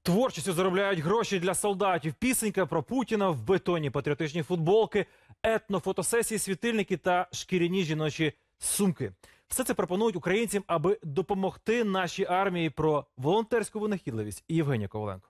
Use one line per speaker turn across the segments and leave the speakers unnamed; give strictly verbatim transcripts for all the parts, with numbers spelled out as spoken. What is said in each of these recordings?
Творчістю заробляють гроші для солдатів. Пісенька про Путіна в бетоні, патріотичні футболки, етнофотосесії, світильники та шкіряні жіночі сумки. Все це пропонують українцям, аби допомогти нашій армії. Про волонтерську винахідливість Євгенія Коваленко.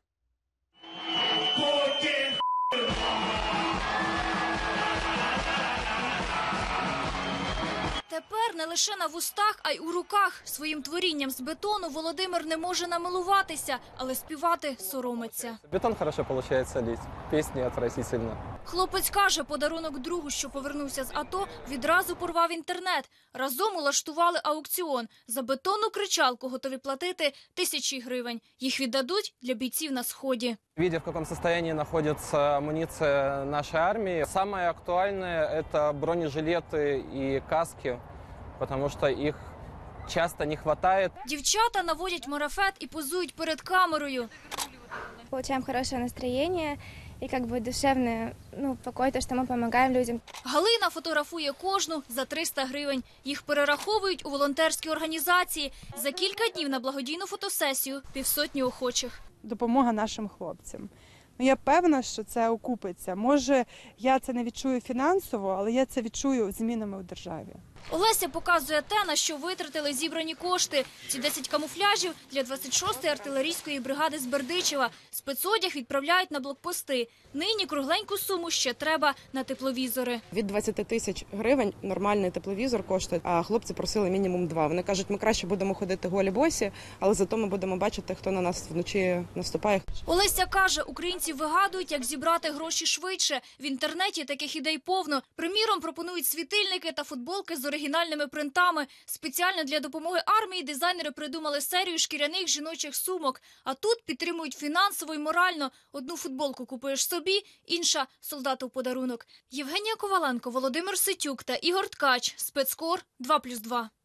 Тепер не лише на вустах, а й у руках. Своїм творінням з бетону Володимир не може намилуватися, але співати соромиться.
Бетон хорошо получается лить, песни отвратительно.
Хлопець каже, подарунок другу, що повернувся з АТО, відразу порвав інтернет. Разом улаштували аукціон. За бетонну кричалку готові платити тисячі гривень. Їх віддадуть для бійців на Сході.
Видя, в каком состоянии находится амуниция нашей армии, самое актуальное – это бронежилеты и каски, потому что их часто не хватает.
Дівчата наводять марафет і позують перед камерою.
Получаем хорошее настроение и как бы душевный, ну, покой, то, что мы помогаем людям.
Галина фотографує кожну за триста гривень. Їх перераховують у волонтерські організації. За кілька днів на благодійну фотосесію півсотні охочих.
Допомога нашим хлопцям. Ну, я певна, що це окупиться. Може, я це не відчую фінансово, але я це відчую змінами у державі.
Олеся показує те, на що витратили зібрані кошти. Ці десять камуфляжів для двадцять шостої артилерійської бригади з Бердичева. Спецодяг відправляють на блокпости. Нині кругленьку суму ще треба на тепловізори.
Від двадцяти тисяч гривень нормальний тепловізор коштує, а хлопці просили мінімум два. Вони кажуть, ми краще будемо ходити голі босі, але зато ми будемо бачити, хто на нас вночі наступає.
Олеся каже, українці вигадують, як зібрати гроші швидше. В інтернеті таких ідей повно. Приміром, пропонують світильники та футболки з оригінальними принтами. Спеціально для допомоги армії дизайнери придумали серію шкіряних жіночих сумок. А тут підтримують фінансово і морально. Одну футболку купуєш собі, інша – солдату в подарунок. Євгенія Коваленко, Володимир Ситюк та Ігор Ткач. Спецкор два плюс два.